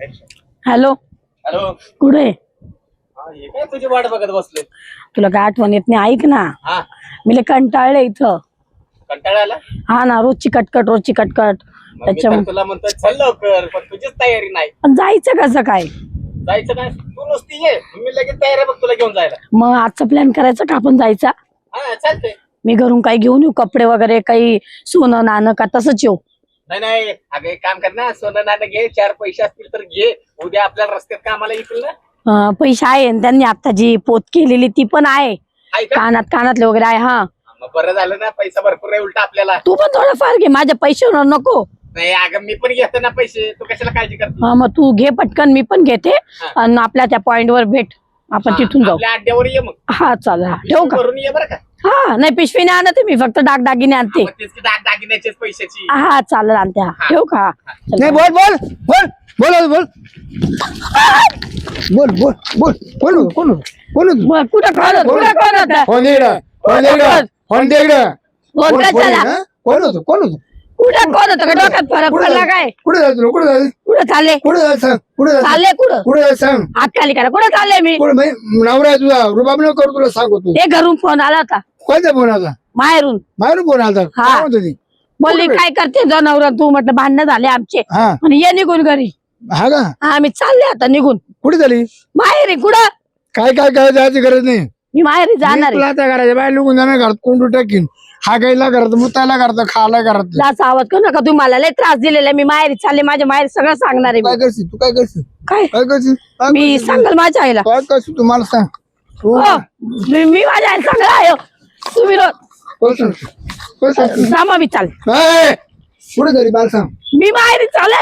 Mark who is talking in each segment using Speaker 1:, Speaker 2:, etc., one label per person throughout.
Speaker 1: Hello
Speaker 2: hello.
Speaker 1: कुठे
Speaker 2: हे काय तुझी वाट बघत बसले?
Speaker 1: तुला काय आठवण येत नाही? ऐक ना,
Speaker 2: हा,
Speaker 1: मी लय कंटाळले इथं.
Speaker 2: कंटाळा आला?
Speaker 1: हा ना, रोजची कटकट.
Speaker 2: मग मी तर तुला म्हणतोय चल लवकर, पण तुझीच तयारी नाही.
Speaker 1: पण जायचं कसं काय?
Speaker 2: जायचं काय, तू नुसती ये, मी लगेच तयार आहे बघ तुला घेऊन जायला.
Speaker 1: मग आजचा प्लॅन करायचा का आपण जायचा?
Speaker 2: हा चालतंय.
Speaker 1: मी घरून काही घेऊन येऊ, कपडे वगैरे काही, सोनं नाणं का तसंच येऊ?
Speaker 2: नाही अगं एक काम कर ना, सोनं नाणं घे, 4 पैसे असतील तर घे, उद्या आपल्याला रस्त्यात कामाला येतील ना.
Speaker 1: पैसे आहे आणि त्यांनी आता जी पोत केलेली ती पण आहे,
Speaker 2: आहे का?
Speaker 1: कानातले वगैरे आहे. हा,
Speaker 2: मग बरं झालं ना, पैसा भरपूर आहे उलटा आपल्याला.
Speaker 1: तू पण थोडंफार घे, माझ्या पैशावर नको.
Speaker 2: नाही अगं मी पण घेतो ना पैसे, तू कशाला काळजी करते?
Speaker 1: हा, मग तू घे पटकन, मी पण घेते. आणि आपल्या त्या पॉइंट वर भेट, आपण तिथून जाऊ.
Speaker 2: आपल्या अड्ड्यावर ये मग.
Speaker 1: हा चालेल, ठेवू का?
Speaker 2: करून ये बरं का.
Speaker 1: हा, नाही पिशवी नाही आणते मी, फक्त दागदागिने आणते.
Speaker 2: मग तेच की दागिन्याचेच पैशाची.
Speaker 1: हा चालेल, आणते. हा, ठेवू का? चल.
Speaker 3: नाही बोल बोल बोल बोल बोल बोल बोल बोल बोल कोण बोल
Speaker 1: मग कुठं कोण होतं?
Speaker 3: फोन दे इकडं, फोन दे इकडं, फोन दे इकडं.
Speaker 1: फोन
Speaker 3: कोण
Speaker 1: कशाला?
Speaker 3: हा? कोण होतं
Speaker 1: कुठं कोण होतं का? डोक्यात फरक पडला काय?
Speaker 3: कुठे जायचं तुला? कुठे जायचं?
Speaker 1: कुठं चालले?
Speaker 3: कुठे जायचं सांग? कुठे जायचं?
Speaker 1: चालले कुठं?
Speaker 3: कुठे जायचं सांग?
Speaker 1: हात खाली करा. कुठं चालले मी?
Speaker 3: कुठे म्हणजे नवरा आहे तुझा, रुबाब नको करू, तुला सांगतो.
Speaker 1: ते घरून फोन आला होता,
Speaker 3: कोणत्या फोन आला?
Speaker 1: माहेरून.
Speaker 3: मारून फोन आला?
Speaker 1: हा.
Speaker 3: काय म्हणतो ती?
Speaker 1: बोलली काय करते जनावर तू? म्हटलं भांडणं झाले आमचे.
Speaker 3: हा
Speaker 1: आणि ये निघून घरी.
Speaker 3: हा का?
Speaker 1: हा, मी चालले आता निघून.
Speaker 3: कुठे झाली?
Speaker 1: माहेरी. कुठं?
Speaker 3: काय काय काय जायची गरज नाही.
Speaker 1: मी माहेरी जाणार
Speaker 3: तुला
Speaker 1: आहे.
Speaker 3: आता करायचं बाय, लुकून जाणार घरात, कोंडू टाकीन. हागायला करत, मुतायला करत, खायला करत.
Speaker 1: जास्त आवाज करू नका, तुम्ही मला लय त्रास दिलेला आहे. मी माहेरी चालले, माझ्या माहेरी सगळं सांगणार आहे
Speaker 3: काय
Speaker 1: मी.
Speaker 3: करशील तू? काय करशील?
Speaker 1: काय
Speaker 3: काय करशील? काय
Speaker 1: मी
Speaker 3: करशील?
Speaker 1: सांगल माझ्या आईला.
Speaker 3: काय करशील तू मला सांग. तू
Speaker 1: हो, मी माझ्या आईला सांगणार आहे. तुम्ही
Speaker 3: काय सांगशील? काय सांगशील?
Speaker 1: सामा मी चाल.
Speaker 3: ए, पुढे घरी मला सांग.
Speaker 1: मी माहेरी चालले.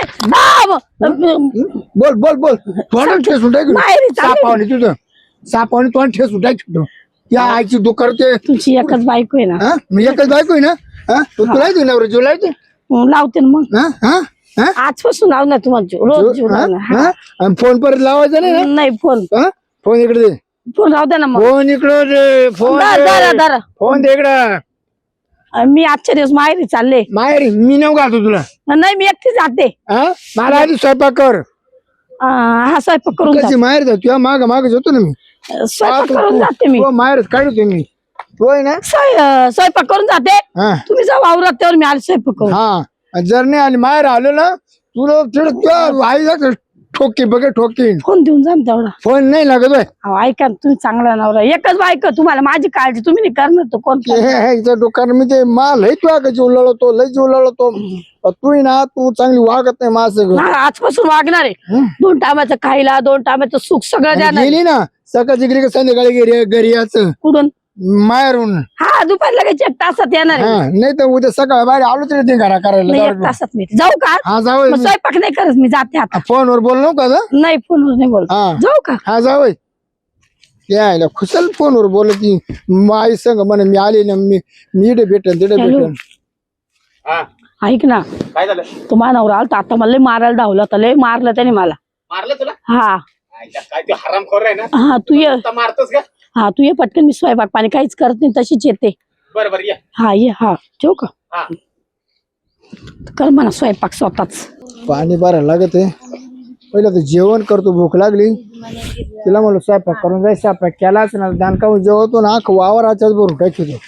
Speaker 3: बोल बोल बोल. तोंड ठेसून टाक.
Speaker 1: माहेरी चालले.
Speaker 3: सापावणी तुझं, सापावणी तोंड ठेसून टाक. त्या आईची दुकान ते.
Speaker 1: तुमची एकच बायको आहे ना?
Speaker 3: हा, मी एकच बायको आहे ना. हा, तुला येते नवरा जीव लावते.
Speaker 1: लावते ना मग.
Speaker 3: हा हा हा
Speaker 1: आजपासून लाव ना तुम्हाला रोज जीव
Speaker 3: हा?
Speaker 1: लावणार.
Speaker 3: हा? आणि फोन परत लावायचा नाही ना?
Speaker 1: नाही फोन
Speaker 3: हा? फोन इकडे दे.
Speaker 1: फोन राहू दे ना मग.
Speaker 3: फोन इकडे दे. फोन
Speaker 1: धरा
Speaker 3: दे.
Speaker 1: धरा.
Speaker 3: फोन दे इकडं.
Speaker 1: मी आजच्या दिवस माहेरी चालले.
Speaker 3: माहेरी मी नव घालतो तुला.
Speaker 1: नाही, मी एकटी जाते.
Speaker 3: हा, मला आधी स्वयंपाक कर.
Speaker 1: हा, स्वयंपाक करून
Speaker 3: कशी
Speaker 1: जाते.
Speaker 3: माहेर जा तुझ्या माग माग जातो ना मी.
Speaker 1: स्वयंपाक करून जाते मी.
Speaker 3: माहेरच काढतो मी. तू आहे ना.
Speaker 1: स्वयंपाक करून जाते.
Speaker 3: हा
Speaker 1: तुम्ही जा वावरात, त्यावर मी आले स्वयंपाक करून.
Speaker 3: हा, जर नाही आली माहेर आलो ना, तुला तुझ्या आई जात ठोकी बघ ठोकीन.
Speaker 1: फोन देऊन जा ना तेवढा.
Speaker 3: फोन नाही लागत होय.
Speaker 1: अहो, ऐका ना, तुम्ही चांगला नवरा. एकच बायको, तुम्हाला माझी काळजी, तुम्ही नाही करणार तर कोण करणार?
Speaker 3: इथं दुकान मी ते माल लय तुला का जीव लढवतो, लय जीव लढवतो. तू ना, तू चांगली वागत नाही माझं.
Speaker 1: हा, आजपासून वागणार आहे. 2 टायमाचं खायला, 2 टायमाचं सुख सगळं द्याणार.
Speaker 3: गेली ना सकाळची गेली का संध्याकाळी घरी घरी याचं
Speaker 1: कुठून?
Speaker 3: माहेरून.
Speaker 1: हा, दुपारी लगेच 1 तासात येणार आहे.
Speaker 3: हा, नाही तर उद्या सकाळ बाहेर आलो तरी ते घरा
Speaker 1: नाही,
Speaker 3: करायला
Speaker 1: 1 तासात मी जाऊ का?
Speaker 3: हा जाऊ.
Speaker 1: मग स्वयंपाक नाही करत, मी जाते आता.
Speaker 3: फोनवर बोल नव्हतं का ग?
Speaker 1: नाही, फोनवर नाही बोल.
Speaker 3: हा
Speaker 1: जाऊ का?
Speaker 3: हा जाऊ. यायला खुशाल फोनवर बोलती. आई संग म्हणे मी आले ना, मी इडे भेटन तिडे
Speaker 1: हॅलो.
Speaker 3: भेटन.
Speaker 2: हा,
Speaker 1: ऐक ना,
Speaker 2: काय झालं?
Speaker 1: तो मानवर आलता आता, मला लय मारायला धावला होता. लय मारलं त्याने मला.
Speaker 2: मारलं तुला?
Speaker 1: हा
Speaker 2: आईला काय तू हरामखोर आहे ना.
Speaker 1: हा, तू ये.
Speaker 2: नुसता मारतोस का?
Speaker 1: हा, तू ये पटकन. मी स्वयंपाक पाणी काहीच करत नाही, तशीच येते.
Speaker 2: बरं ये.
Speaker 1: हा ये. हा, ठेवू का?
Speaker 2: हा,
Speaker 1: कर म्हणा स्वयंपाक स्वतःच.
Speaker 3: पाणी भरायला लागत आहे. पहिलं तर जेवण करतो, भूक लागली. तिला म्हणलं स्वयंपाक करून जाय. स्वयंपाक केलाच ना, दानकावून जेवतो ना, वावराच्याच भरून टाकतो.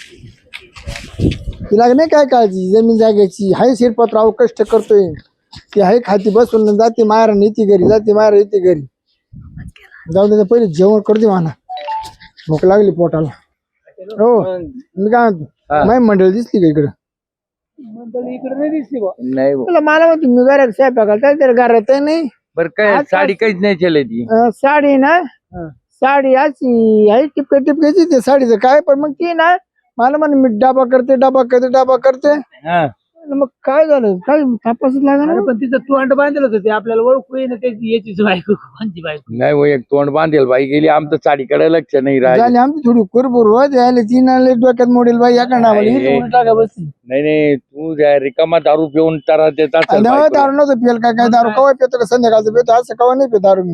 Speaker 3: तिला नाही काय काळजी जमीन जाग्याची. हाय शिरपतराव कष्ट करतोय. ती हाय खाती बसून जाते माहेर येते घरी, जाते माहेर येते घरी. जाऊ दे, पहिले जेवण करते म्हणा, भूक लागली पोटाला. हो, मी काय म्हणतो, माय मंडळी दिसली का इकडं? मंडळी इकडे नाही दिसली बा.
Speaker 4: नाही
Speaker 3: मला म्हणतो मी घरात स्वयंपाकाला तर घरात नाही.
Speaker 4: बर काय साडी काहीच नाही केली ती.
Speaker 3: साडी ना, साडी अशी आहे टिपके टिपक्याची. ते साडीचं काय, पण मग ती ना मला म्हणे मी डबा करते.
Speaker 4: हा.
Speaker 3: मग काय झालं, काय तपासच लागणार.
Speaker 5: पण तिचं तोंड बांधलं होतं ते आपल्याला ओळखू येईन त्याची याचीच बायको कोणची बायको.
Speaker 4: नाही हो, एक तोंड बांधेल बाई गेली, आमचं साडीकडे लक्ष नाही राहिलं.
Speaker 3: झाली आमची थोडी कुरबुर आले. तीन आले डोक्यात मोडेल बाई या टाका बसली.
Speaker 4: नाही तू रिकामा दारू पिऊन तारा देतात.
Speaker 3: दारू नव्हतं पिल काय दारू कवा पितो का? संध्याकाळचं पितो, असं कवा नाही पितो दारू मी.
Speaker 5: मग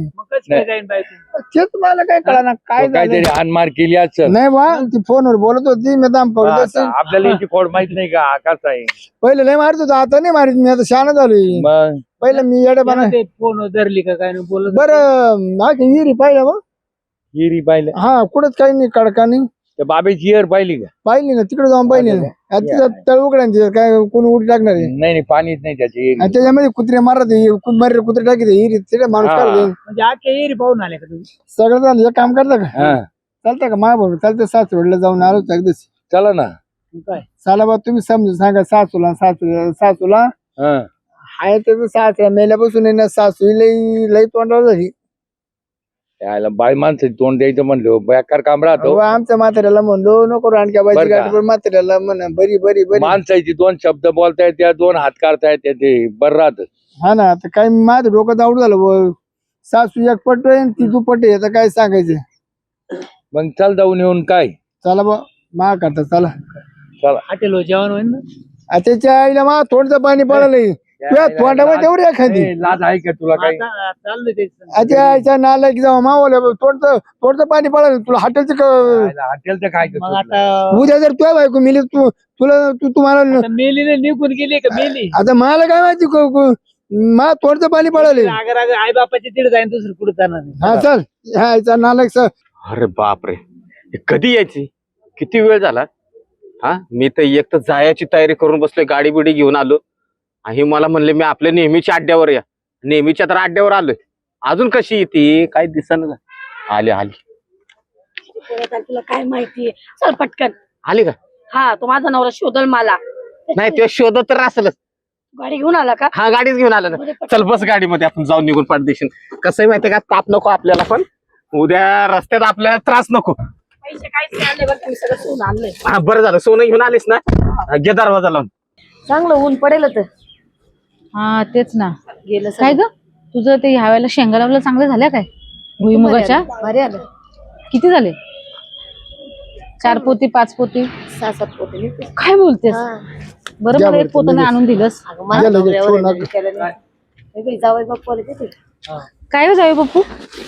Speaker 5: काय जाईन बायको.
Speaker 3: तेच मला काय कळणार काय
Speaker 4: तो काहीतरी
Speaker 3: झालं.
Speaker 4: हानमार केली असेल.
Speaker 3: नाही बा ती फोनवर बोलत होती मी दाम
Speaker 4: हा,
Speaker 3: पडत
Speaker 4: आता आपल्याला याची खोड माहित नाही का आकाश आहे.
Speaker 3: पहिले लय मारत होतो आता नाही मारित मी आता शहाणा झालोय.
Speaker 4: मग
Speaker 3: पहिले मी येडेपणा
Speaker 5: ते फोन धरली का काय नाही बोलत.
Speaker 3: बरं माझी हिरी पाहिलं मग
Speaker 4: हिरी पाहिलं
Speaker 3: हा कुठंच काही नाही कडका नाही
Speaker 4: त्या बाबेची हिर पाहिली का?
Speaker 3: पाहिली ना तिकडे जाऊन पाहिली ना आता तिथं तळ उघडा तिथं काय कोणी उडी टाकणार आहे
Speaker 4: नाही नाही पाणीच नाही त्याची
Speaker 3: आणि
Speaker 4: हिरी.
Speaker 3: त्याच्यामध्ये कुत्रे मारत मर्रे कुत्रे टाकी हिरी तिथे माणूस
Speaker 4: हा.
Speaker 3: काढते
Speaker 5: म्हणजे आजच्या एरी पाहून आले का तुम्ही?
Speaker 3: सगळं झालं एक काम करता का
Speaker 4: हा
Speaker 3: चालतं का मा भाऊ चालतं सासवडला जाऊन आलो अगदीच
Speaker 4: चला ना.
Speaker 5: मग काय
Speaker 3: चला बा तुम्ही समजून सांगा सासूला
Speaker 4: हा
Speaker 3: हाय त्याचं सासऱ्या मेल्यापासून आहे ना सासू लई लई तोंडावर झाली.
Speaker 4: यायला बाई माणसाची तोंड द्यायचं म्हणलं बेकार काम राहतो.
Speaker 3: अहो, आमच्या म्हाताऱ्याला म्हणलो नको रानक्या बाईची
Speaker 4: बरं का?
Speaker 3: गाडी पण म्हाताऱ्याला म्हणा बरी बरी बरी
Speaker 4: माणसाची दोन शब्द बोलता येते दोन हात काढता येते ते बरं राहत.
Speaker 3: हा ना आता काय माझं डोकं दावड झालं बुवा. सासू एक पट आहे ती दुपट आहे आता काय सांगायचं.
Speaker 4: मग चल जाऊन येऊन काय
Speaker 3: चला बा मा करता चला
Speaker 4: चला.
Speaker 5: हॉटेल जेवण होईल ना.
Speaker 3: आ, त्याच्या आईला मा थोडंसं पाणी पडलंय तुझ्या तोंडावर तेवढी एखादी
Speaker 4: ए, लाज आहे का तुला काही?
Speaker 5: आता चाललंय ते.
Speaker 3: आजच्या आईच्या नालायक जाऊ मावल्या थोडंसं पाणी पडलं तुला हॉटेलचं
Speaker 4: यायला हॉटेलचं काय
Speaker 5: मग
Speaker 4: करतो?
Speaker 5: आता
Speaker 3: उद्या जर तुझ्या बायको मिली तुम्हाला
Speaker 5: आता मेलीने निघून गेली का मेली.
Speaker 3: आता मला काय माहिती मा थोडंसं पाणी पडले
Speaker 5: अगर अगर आई बापाची तिथे जाईन दुसरं कुठे जाणार नाही.
Speaker 3: हा चल ह्या आईचा नालायक सर
Speaker 2: अरे बापरे हे कधी यायची किती वेळ झाला. हा मी तर एक तर जायची तयारी करून बसलोय गाडी बिडी घेऊन आलो आणि मला म्हणले मी आपल्या नेहमीच्या अड्ड्यावर या नेहमीच्या तर अड्ड्यावर आलोय अजून कशी येते काय दिसना आली आली
Speaker 1: तुला काय माहितीये चल पटकन.
Speaker 2: आली का.
Speaker 1: हा तो माझा नवरा शोधल मला.
Speaker 2: नाही ते शोधत तर असेलच.
Speaker 1: गाडी घेऊन आला का?
Speaker 2: हा गाडीच घेऊन आला ना. चल बस गाडीमध्ये आपण जाऊन निघून पाडदेशील. कसं आहे माहितीये का ताप नको आपल्याला पण उद्या रस्त्यात आपल्याला त्रास नको.
Speaker 1: पैसे काहीच नाही आणले बरं का, मी सगळं सोनं आणलंय.
Speaker 2: हा बरं झालं सोनं घेऊन आलीस ना घे दरवाजा लावून.
Speaker 1: चांगलं ऊन पडेल तर
Speaker 6: हा तेच ना.
Speaker 1: गेलं
Speaker 6: काय ग तुझं ते ह्या वेळेला शेंगा लावलं चांगलं झाल्या काय भुईमुगाच्या?
Speaker 1: भारी आलं.
Speaker 6: किती झाले? 4 पोती 5 पोती
Speaker 1: 6-7 पोते निघते.
Speaker 6: काय बोलतेस? बरं
Speaker 3: द्या
Speaker 6: मला
Speaker 3: बरं,
Speaker 6: एक पोतं नाही आणून दिलंस.
Speaker 1: अगं मला
Speaker 3: गेलं,
Speaker 1: नवऱ्यावर
Speaker 3: सोनं.
Speaker 1: आहे, केलं नाही. हे बाई, जावई बाप्पा आले तिथे.
Speaker 6: काय हो जावे बापू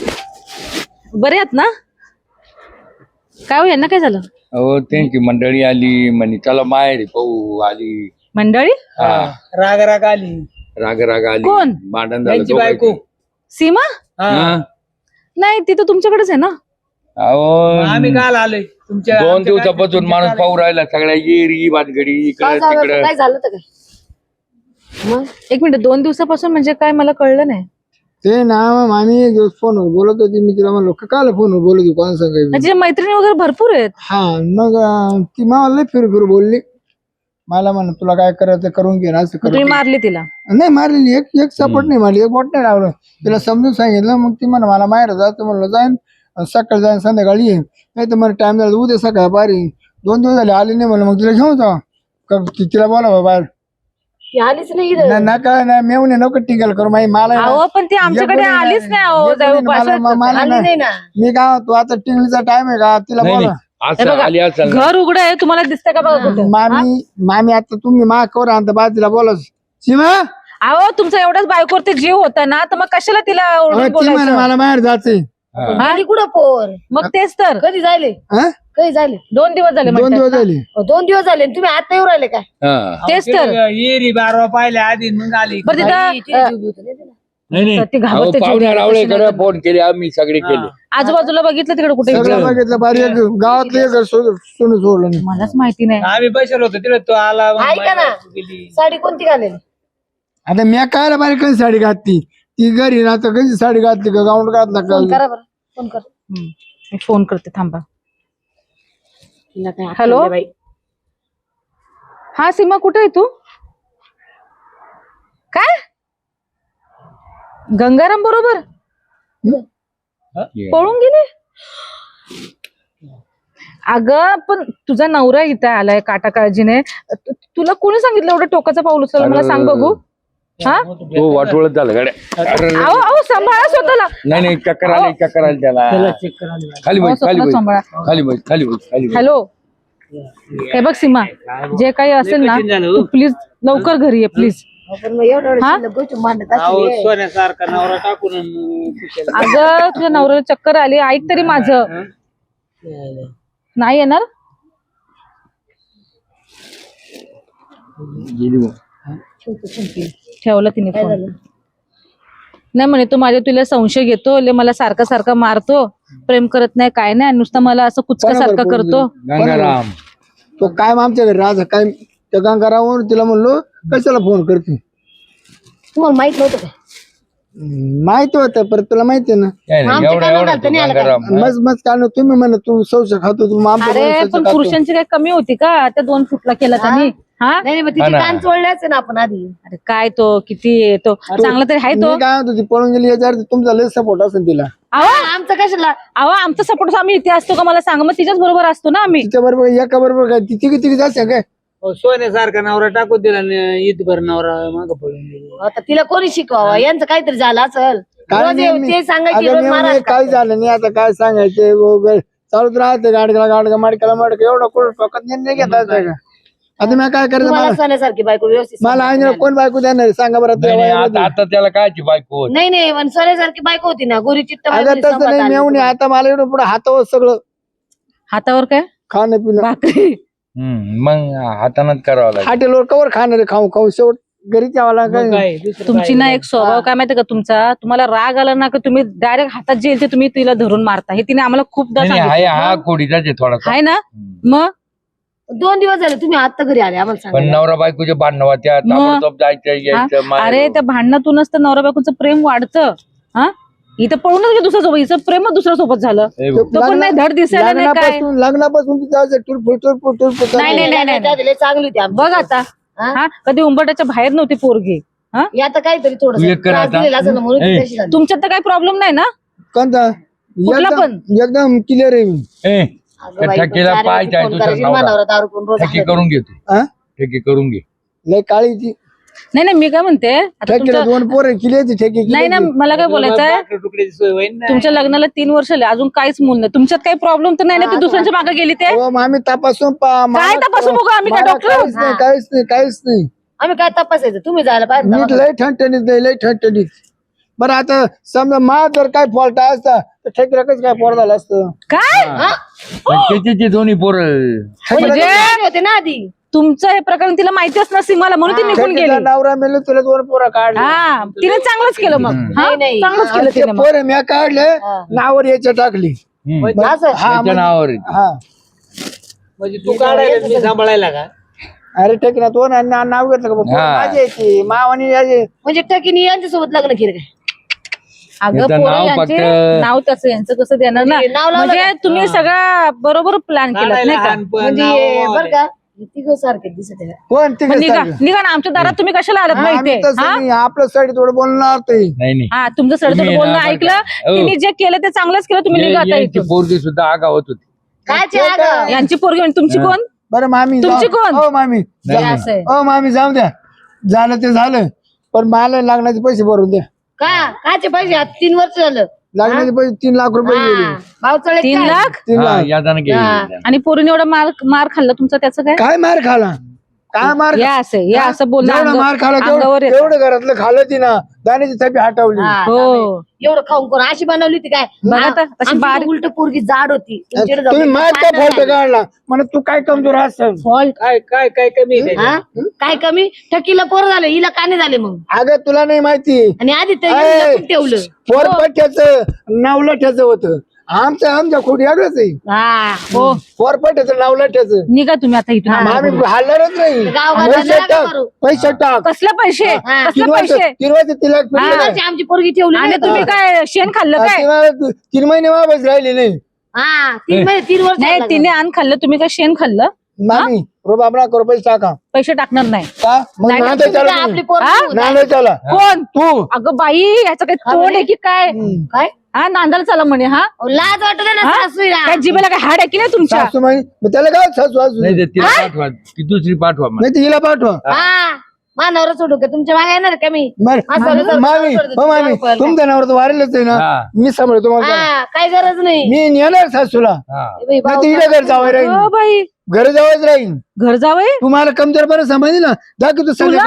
Speaker 6: बरे आहात ना? काय हो यांना काय झालं?
Speaker 4: हो त्यांची मंडळी आली म्हणे चला माहेरी पाहू आली.
Speaker 6: मंडळी?
Speaker 4: हा
Speaker 5: राग राग आली.
Speaker 4: राग राग आली.
Speaker 6: कोण?
Speaker 4: भांडण झालं
Speaker 5: त्यांची बायको.
Speaker 4: दोघांचं.
Speaker 6: सीमा?
Speaker 4: हा.
Speaker 6: नाही ती तर तुमच्याकडेच आहे ना.
Speaker 5: आम्ही
Speaker 4: अहो
Speaker 5: काल आलोय तुमच्या
Speaker 4: 2
Speaker 5: आमच्या
Speaker 4: दिवसापासून
Speaker 5: काय-
Speaker 4: माणूस पाहू राहिला सगळ्या येरी भानगडी
Speaker 1: काय
Speaker 4: इकडे
Speaker 1: झालं
Speaker 4: तिकडे.
Speaker 1: काय झालं तर काय मग?
Speaker 6: एक मिनिट 2 दिवसापासून म्हणजे काय मला कळलं नाही.
Speaker 3: ते ना मामी फोनवर बोलत होती मी तिला म्हणलो काल फोनवर बोलत होती कोण सांगायचं.
Speaker 6: तिच्या मैत्रिणी वगैरे भरपूर आहेत.
Speaker 3: हा मग ती मला लय फिरू बोलली मला म्हण तुला काय करायचं करून घे ना असं
Speaker 6: तुम्ही
Speaker 3: करून
Speaker 6: मारली तिला?
Speaker 3: नाही मारलेली एक सपोर्ट नाही मारली एक बोट नाही लावलं तिला समजून सांगितलं मग ती म्हणा मला माहेर जायचं म्हणलं जाईन सकाळी जाईन संध्याकाळी येईन नाही तर मला टाइम झाला उद्या सकाळ बारी 2 दिवस झाले आली नाही म्हणलं मग तिला घेऊन जा तिला बोला बाहेर
Speaker 1: ती आलीच नाही इथं.
Speaker 3: नका नाही मेवणे नको टिंगल करू माही मला आहे ना,
Speaker 6: अहो पण ती आमच्याकडे
Speaker 3: एक कोणी
Speaker 6: आलीच नाही अहो
Speaker 3: एक
Speaker 6: जाऊ
Speaker 3: कोणी मला
Speaker 1: आली
Speaker 3: नाही.
Speaker 1: नाही ना.
Speaker 3: मी काय तू आता टिंगलीचा टाइम आहे का तिला
Speaker 4: नाही,
Speaker 3: बोला
Speaker 4: नाही. असं आली असेल ना.
Speaker 6: घर उघड आहे तुम्हाला दिसतंय का बघा कुठं?
Speaker 3: मामी आता तुम्ही मा कवर आणता बा तिला बोला सीमा
Speaker 6: अहो तुमचा एवढाच बायकोवरती जीव होता ना तर मग कशाला तिला ओरडून
Speaker 3: ती म्हणे
Speaker 6: बोलायचं?
Speaker 3: मला बाहेर जायचंय
Speaker 4: हा.
Speaker 1: आली कुठं पोर?
Speaker 6: मग तेच तर
Speaker 1: कधी जायले?
Speaker 3: हा?
Speaker 1: कधी जायले?
Speaker 6: 2 दिवस झाले
Speaker 3: 2
Speaker 6: म्हणतात
Speaker 3: दिवस
Speaker 6: ना.
Speaker 3: झाले
Speaker 1: 2 दिवस झाले आणि तुम्ही आता येऊ राहिले काय?
Speaker 4: हा.
Speaker 6: तेच तर.
Speaker 5: येरी बारवा पाहिल्या आधी मग आली.
Speaker 6: बरं
Speaker 1: बाई,
Speaker 6: तिथं
Speaker 1: तिने जीव घेतला नाही तिला.
Speaker 4: नाही नाही
Speaker 6: ती घाबरते,
Speaker 4: अहो,
Speaker 6: जीव
Speaker 4: पाहुण्या
Speaker 6: देते,
Speaker 4: रावळे
Speaker 6: कशी नाही तर.
Speaker 4: फोन केले आम्ही सगळे केले.
Speaker 6: आजूबाजूला बघितलं तिकडे कुठे
Speaker 3: सगळं बघितलं बारी एक गावातलं एक सोनं सोडलं नाही
Speaker 6: मलाच माहिती नाही.
Speaker 5: आम्ही बसलो होतो तिथे तो आला मग
Speaker 1: ऐका ना.
Speaker 5: बायको गेली.
Speaker 1: साडी कोणती घालेली?
Speaker 3: आता मी काय बारी कधी साडी घातली ती घरी ना तर कधी साडी घातली का गाऊन घातला
Speaker 1: फोन
Speaker 3: का
Speaker 1: करा बरं फोन कर.
Speaker 6: मी फोन करते थांबा.
Speaker 1: तिला काय
Speaker 6: हॅलो?
Speaker 1: आठवण नाही बाई.
Speaker 6: हा सीमा कुठे आहे तू? काय गंगाराम बरोबर पळून गेले? अगं पण तुझा नवरा इथं आलाय काटा काळजीने तुला कोणी सांगितलं एवढं टोकाचं पाऊल उचललं मला सांग बघू. हा
Speaker 4: तो वाटोळत झालं गाड्या. अरे,
Speaker 6: अहो अहो सांभाळा स्वतःला.
Speaker 4: नाही नाही चक्कर आली त्याला.
Speaker 5: चेक करायला.
Speaker 4: खाली
Speaker 6: अहो,
Speaker 4: बस खाली
Speaker 6: स्वतःला
Speaker 4: बस
Speaker 6: सांभाळा.
Speaker 4: खाली बस खाली बस खाली बस.
Speaker 6: हॅलो हे बघ सीमा जे काही असेल ना
Speaker 5: कठीण झालं,
Speaker 6: तू
Speaker 5: हो.
Speaker 6: प्लीज लवकर घरी ये प्लीज. हा?
Speaker 5: सोन्यासारखा नवरा टाकून कुशाला.
Speaker 6: अगं तुझ्या नवऱ्याला चक्कर आली, ऐक तरी माझं. नाही येणार. ठेवलं तिने फोन. नाही म्हणे तू माझ्या तुला संशय घेतो, मला सारखा सारखा मारतो, प्रेम करत नाही काय नाही, नुसतं मला असं कुचकासारखं करतो.
Speaker 4: गंगाराम
Speaker 3: तो काय आमच्या घरी राजा काय त्या गंगारावर तिला म्हणलो कशाला फोन करते.
Speaker 7: तुम्हाला माहित नव्हतं का?
Speaker 3: माहिती होतं पण तुला माहिती आहे ना.
Speaker 4: गंगाराम
Speaker 3: मस्त मस्त काय नाही, तुम्ही म्हणा तू सौच खातो तू आमच्या
Speaker 6: अरे
Speaker 3: घरी सौचं
Speaker 6: पण
Speaker 3: खातो.
Speaker 6: पुरुषांची काही कमी होती का त्या 2 फुटला केला त्यांनी? हा
Speaker 7: नाही मग तिची कान चोळल्याच ना आपण आधी.
Speaker 6: अरे काय तो किती तो चांगला तरी आहे तो.
Speaker 3: मी काय म्हणतो ती पळून गेली याच्या अर्थ तुमचा लय सपोर्ट असेल तिला.
Speaker 7: आमचं कशाला?
Speaker 6: अहो आमचा सपोर्ट आम्ही इथे असतो का मला सांगा, मग तिच्याच बरोबर असतो ना आम्ही.
Speaker 3: तिच्या बरोबर एका बरोबर काय ती तिघी तिघी जास्त काय
Speaker 5: सोन्यासारखा नवरा टाकून दिला आणि ईदभर नवरा माग पडून गेला.
Speaker 7: आता तिला कोणी शिकवावं? यांचं काहीतरी झालं असेल. रोज ते सांगायची रोज महाराज
Speaker 3: काय झालं नाही आता काय सांगायचे वगैरे चालूच राहते गाडीला गाडगा माडक्याला माडका एवढा कोण टोकात नाही घेता येत का. आता मी काय करायचं
Speaker 7: तुम्हाला
Speaker 3: मला
Speaker 7: सोन्यासारखी बायको व्यवस्थित
Speaker 3: मला आईने कोण बायको देणार आहे? सांगा बरं
Speaker 4: नाही, नाही,
Speaker 3: तेव्हा.
Speaker 4: आता त्याला कायची बायको होत.
Speaker 7: नाही नाही पण सोन्यासारखी बायको होती ना, गोरी चिट्ट
Speaker 3: अगं तसं नाही मेवणी आता मला एवढं पुढे हातावर सगळं
Speaker 6: हातावर काय
Speaker 3: खाणं पिणं
Speaker 6: भाकरी.
Speaker 4: मग हातानच करावं लागेल.
Speaker 3: हॉटेलवर कवर खाणार आहे खाऊ खाऊ शेवट घरी यावं काय
Speaker 5: काय दुसरं
Speaker 6: तुमची ना एक स्वभाव काय माहिती का तुमचा, तुम्हाला राग आला ना का तुम्ही डायरेक्ट हातात जे येईल ते तुम्ही तिला धरून मारता. हे तिने आम्हाला खूपदा
Speaker 4: नाही, नाही,
Speaker 6: सांगितलं.
Speaker 4: हा कोडीचाच आहे थोडासा.
Speaker 6: आहे ना. मग
Speaker 7: 2 दिवस झाले तुम्ही आता घरी आले आम्हाला
Speaker 4: पण
Speaker 7: सांगा.
Speaker 4: नवरा बायकोचे भांडणं होत्या, ताबडतोब जायचं यायचं
Speaker 6: हा?
Speaker 4: माहेर.
Speaker 6: अरे त्या भांडणातूनच तर नवरा बायकोचं प्रेम वाढतं. हा इथं पळूनच गे दुसऱ्या सोबत, हिचं प्रेम दुसऱ्या सोबत झालं.
Speaker 4: ए भाऊ,
Speaker 6: तो पण नाही धड दिसायला नाही काय.
Speaker 3: लग्नापासून तिच्या टूर
Speaker 6: नाही नाही नाही नाही
Speaker 7: लय चांगली होती आमची.
Speaker 6: बघ आता. हा कधी उंबरट्याच्या बाहेर नव्हती पोरगी. हा
Speaker 7: हे आता काहीतरी
Speaker 4: तू एक कर आता.
Speaker 7: म्हणून ती
Speaker 4: ए.
Speaker 7: तशी झाली.
Speaker 6: तुमच्यात तर काही प्रॉब्लेम नाही ना.
Speaker 3: कोणता
Speaker 6: कुठला पण?
Speaker 3: एकदम क्लिअर आहे मी.
Speaker 4: ए,
Speaker 7: अगं बाई,
Speaker 4: ठेकेला
Speaker 7: पण
Speaker 4: पाय
Speaker 7: चार
Speaker 4: जाय
Speaker 7: फोन
Speaker 4: तुझा
Speaker 7: करायची,
Speaker 4: नवरा.
Speaker 7: मानावर दारू पिऊन रोज
Speaker 4: ठेके
Speaker 7: हाणत.
Speaker 4: करून घे तू.
Speaker 3: हा?
Speaker 4: ठेके करून घे.
Speaker 3: लय काळी ती
Speaker 6: नाही नाही मी काय म्हणते आता
Speaker 3: ठेकीला
Speaker 6: तुमचं
Speaker 3: 2 पोरं केली होती ठेकी
Speaker 6: नाही ना मला काय बोलायचंय,
Speaker 5: भाकरी तुकड्याची सोय होईन ना.
Speaker 6: तुमच्या लग्नाला 3 वर्ष आले अजून काहीच मूल नाही. तुमच्यात काही प्रॉब्लेम तर नाही ना ते दुसऱ्यांच्या मागे गेली ते.
Speaker 3: आम्ही तपासून
Speaker 6: काय तपासून बघू आम्ही काय डॉक्टर आहोत?
Speaker 3: काहीच नाही
Speaker 7: आम्ही काय तपासायचं? तुम्ही जायला पाहिजे
Speaker 3: नीट
Speaker 7: दवाखान्यात.
Speaker 3: लय ठणठणीत नाही लय ठणठणीत. बरं आता समजा मा जर काय फॉल्ट असता तर ठेकीला कसं काय पोर झालं असतं.
Speaker 6: काय
Speaker 4: पण त्याचे दोन्ही पोरं
Speaker 6: म्हणजे
Speaker 7: तुम्ही होते ना आधी.
Speaker 6: तुमचं हे प्रकरण तिला माहितीच नसती मला म्हणून ती निघून
Speaker 3: ठेकीचा
Speaker 6: गेली.
Speaker 3: नवरा मेलो तुला 2 पोरं काढले.
Speaker 6: हा तिने चांगलंच केलं मग. हा,
Speaker 7: नाही, नाही.
Speaker 6: चांगलंच केलं
Speaker 3: ते
Speaker 6: तिने मग.
Speaker 3: पोरं मी काढले नावावर याच्या टाकली.
Speaker 7: असं
Speaker 4: त्याच्या नावावर आहे.
Speaker 3: हा
Speaker 5: म्हणजे तू काढायला मी सांभाळायला का?
Speaker 3: अरे ठेकीला 2 नाव घेतलं का पोरं
Speaker 4: हा.
Speaker 3: माझी यायची मावानी यायची.
Speaker 7: म्हणजे टकीनी यांच्यासोबत लग्न केलं काय?
Speaker 6: अगं
Speaker 4: याचं
Speaker 6: पोरं
Speaker 4: नाव
Speaker 6: यांचे
Speaker 4: फक्त-
Speaker 6: नाव तसं यांचं कसं देणार ना.
Speaker 7: म्हणजे नाव लावलं
Speaker 6: म्हणजे तुम्ही सगळा बरोबर प्लॅन केला
Speaker 5: काढायला
Speaker 6: नाही का.
Speaker 5: हानपण,
Speaker 7: म्हणजे
Speaker 5: नाव
Speaker 7: बर का तिघ सारखे दिसत आहे.
Speaker 3: कोण ते
Speaker 6: मग निघा निघा ना आमच्या दारात तुम्ही कशाला आलात माहितीये. हा?
Speaker 3: आपलं साईड थोडं बोलणार ते
Speaker 4: नाही नाही
Speaker 6: हा तुमचं सडतोड
Speaker 4: तुम्ही
Speaker 6: बोलणं
Speaker 4: ना बरं
Speaker 6: ऐकलं
Speaker 4: का?
Speaker 6: तिने जे केलं ते चांगलंच केलं. तुम्ही निघा आता
Speaker 4: यांची
Speaker 6: इथून.
Speaker 4: पोरगी सुद्धा आगावत होती.
Speaker 7: कायचे अगं?
Speaker 6: यांची पोरगी म्हणजे तुमची कोण?
Speaker 3: बरं मामी
Speaker 6: तुमची कोण?
Speaker 3: हो मामी
Speaker 4: नाही, नाही.
Speaker 6: असं आहे.
Speaker 3: हो मामी जाऊ द्या झालं ते झालं पण मला लागण्याचे पैसे भरून द्या.
Speaker 7: कायचे पैसे? आता 3 वर्ष झालं.
Speaker 3: लागण्याचे पैसे 3 लाख रुपये गेले.
Speaker 7: पावसाळ्यात
Speaker 6: 3 लाख
Speaker 3: 3
Speaker 4: हा,
Speaker 3: लाख
Speaker 4: यादानं गेली.
Speaker 6: आणि पोरीने एवढा मार खाल्ला तुमचा त्याचं काय?
Speaker 3: काय मार खाला काय मार
Speaker 6: या असं या असं बोलणं
Speaker 3: जेवढं मार खाला
Speaker 6: अंगावर येतं.
Speaker 3: तेवढं घरातलं खाल्लं ती ना दाण्याची थपी हटवली.
Speaker 6: हो
Speaker 7: एवढं खाऊन कोण अशी बनवली होती काय?
Speaker 6: बघा आता, तशी बारीक-
Speaker 7: उलट पोरगी जाड होती. तुमच्याकडे जाऊन
Speaker 3: तुम्ही मार का फॉल्ट काढला म्हणा तू काय कमजोर असेल.
Speaker 5: काय काय काय कमी आहे
Speaker 7: हा? काय कमी? टकीला पोर झालं, हिला काने झाले मग.
Speaker 3: अगं तुला नाही माहिती
Speaker 7: आणि आधी ते
Speaker 3: ऐ,
Speaker 7: लपून ठेवलं.
Speaker 3: फोरपट्याचं नावलठ्याचं होतं आमच्या खोडी वेगळंच आहे.
Speaker 7: हा
Speaker 6: हो
Speaker 3: फोरपट्याचं नावलठ्याचं
Speaker 6: निघा तुम्ही आता इथून.
Speaker 3: आम्ही हल्लारच नाही.
Speaker 7: गावाला
Speaker 3: पैसे
Speaker 7: नका
Speaker 3: टाक
Speaker 7: करू.
Speaker 3: पैसे टाक
Speaker 6: कसले पैसे
Speaker 7: हा.
Speaker 6: कसले
Speaker 3: 3 वर्ष
Speaker 6: पैसे
Speaker 3: 3 वर्ष तिला
Speaker 7: अशी आमची पोरगी ठेवली
Speaker 6: आणि
Speaker 7: नाही.
Speaker 6: तुम्ही काय शेण खाल्लं काय?
Speaker 3: 3 महिने वापस राहिले नाही.
Speaker 7: हा 3 महिने 3 वर्ष
Speaker 6: नाही
Speaker 7: झालं.
Speaker 6: तिने आण खाल्लं तुम्ही काय शेण खाल्लं?
Speaker 3: मामी रोबाबरा करू पैसे टाका
Speaker 6: पैसे टाकणार नाही.
Speaker 3: का मग
Speaker 6: नाही,
Speaker 3: नांदे
Speaker 7: तुम्ही
Speaker 3: चला
Speaker 7: काय आपली
Speaker 3: तुम्ही.
Speaker 7: पोरगी
Speaker 6: हा?
Speaker 7: होती?
Speaker 3: नांदे चला
Speaker 6: कोण?
Speaker 3: तू
Speaker 6: अगं बाई ह्याचं काही तोंड आहे की काय?
Speaker 7: काय?
Speaker 6: हा नांदायला चला म्हणे. हा
Speaker 7: अहो, लाज वाटत ना
Speaker 6: हा?
Speaker 7: सासूला.
Speaker 6: काय जिभेला काय हाड आहे की नाही तुमच्या?
Speaker 3: सासू माई मग त्याला काय सासू असू
Speaker 4: नाही ते तिला पाठवा ती दुसरी पाठवा मग.
Speaker 3: नाही तर हिला पाठवा.
Speaker 7: हा मानावर सोडू का? तुमच्या मागे येणार का मी?
Speaker 3: बरं,
Speaker 7: मामी
Speaker 3: मामी हो मामी तुमच्या नावावर वारेलच आहे ना
Speaker 4: हा.
Speaker 3: मी सांभाळतो तुम्हाला
Speaker 7: हा काय गरज नाही.
Speaker 3: मी नेणार सासूला
Speaker 4: हा.
Speaker 7: ए बाई,
Speaker 3: नाही
Speaker 7: भाऊ
Speaker 3: तर हिला घर जावं राहील
Speaker 6: हो बाई
Speaker 3: घर जावंच राहील.
Speaker 6: घर जावय
Speaker 3: तुम्हाला कमजोरपणा समजली ना दाखव तू
Speaker 6: तुला
Speaker 3: सगळं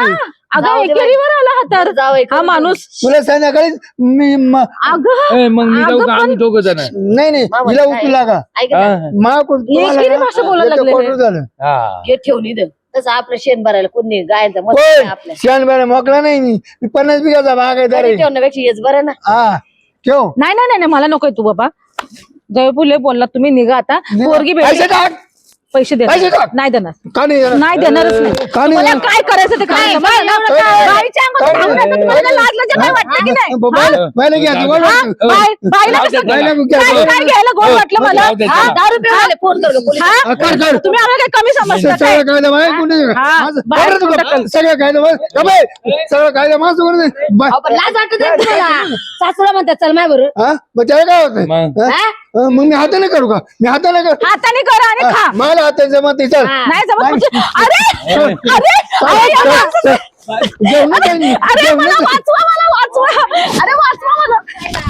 Speaker 6: अगं
Speaker 7: जाऊ दे बाई.
Speaker 6: एकेरीवर आला हा तर
Speaker 7: जाऊ एक
Speaker 6: हा माणूस
Speaker 3: तुला संध्याकाळी मी
Speaker 6: अगं
Speaker 4: ए, मग मी जाऊ
Speaker 6: अगं
Speaker 4: का
Speaker 6: पण-
Speaker 4: आम्ही दोघं जण
Speaker 3: नाही नाही
Speaker 7: मामा,
Speaker 3: हिला
Speaker 7: काय?
Speaker 3: उचलू लागा
Speaker 7: ऐक ना,
Speaker 6: एकेरी भाषा बोलायला लागले हे.
Speaker 3: झालं
Speaker 7: घे ठेवून इथं तसं आपलं शेण भरायला कोणी गायचं मत
Speaker 3: होय
Speaker 7: आपल्या
Speaker 3: शान बेळा मोकळा नाही मी 50 बिघाचा बाग आहे
Speaker 7: घरी
Speaker 3: तरी
Speaker 7: ठेवण्यापेक्षा हेच बरं ना.
Speaker 3: हा ठेव
Speaker 6: नाही नाही नाही मला नकोय तू बाबा जयपूरले बोलला तुम्ही निघा आता पोरगी
Speaker 3: पैसे
Speaker 6: भेटली
Speaker 3: टाक
Speaker 6: पैसे
Speaker 3: पैसे
Speaker 6: देणार
Speaker 3: टाक.
Speaker 6: नाही देणार
Speaker 3: का नाही देणार?
Speaker 6: नाही देणारच नाही
Speaker 3: का नाही
Speaker 6: मला
Speaker 3: देणार?
Speaker 6: काय करायचं ते करायचं मला ना बाईच्या अंगात घालून येतं, तुम्हाला काय लाज लज्जा काय वाटतं की नाही
Speaker 3: बायला घ्यायचं गोड
Speaker 6: हा?
Speaker 3: वाटतं.
Speaker 6: बाईला कसं
Speaker 3: बाईला
Speaker 6: काय
Speaker 3: घ्यायचं.
Speaker 6: काय घ्यायला गोड वाटलं मला
Speaker 4: जाऊ दे,
Speaker 6: हा?
Speaker 4: जाऊ दे.
Speaker 7: 10 रुपये आले फोन कर गं पोलीस.
Speaker 6: हा?
Speaker 3: हा, कर.
Speaker 6: तुम्ही आम्हाला काय कमी समजता काय
Speaker 3: सगळं कायदा बाहेर कोणी
Speaker 6: हा,
Speaker 3: माझं-
Speaker 6: बाहेर
Speaker 3: बरं तुला-
Speaker 6: कोण
Speaker 3: सगळं कायदा बाहेर- का बाई? सगळं कायदा माझं कोण नाही.
Speaker 7: अहो, पण लाज वाटत नाही तुम्हाला सासूला म्हणतात चल माय बरं
Speaker 3: हा मग त्याला काय होतं
Speaker 4: मग
Speaker 3: मग मी हाताने करू का मी हाताने कर
Speaker 6: हाताने करा आणि खा
Speaker 3: मला हाताने जमत नाही चल
Speaker 6: नाही जमत म्हणजे अरे अरे अरे या माणसाचं-
Speaker 3: जेवण काही नाही.
Speaker 6: अरे
Speaker 3: जेवण
Speaker 6: मला
Speaker 3: काही-
Speaker 6: वाचवा अरे वाचवा मला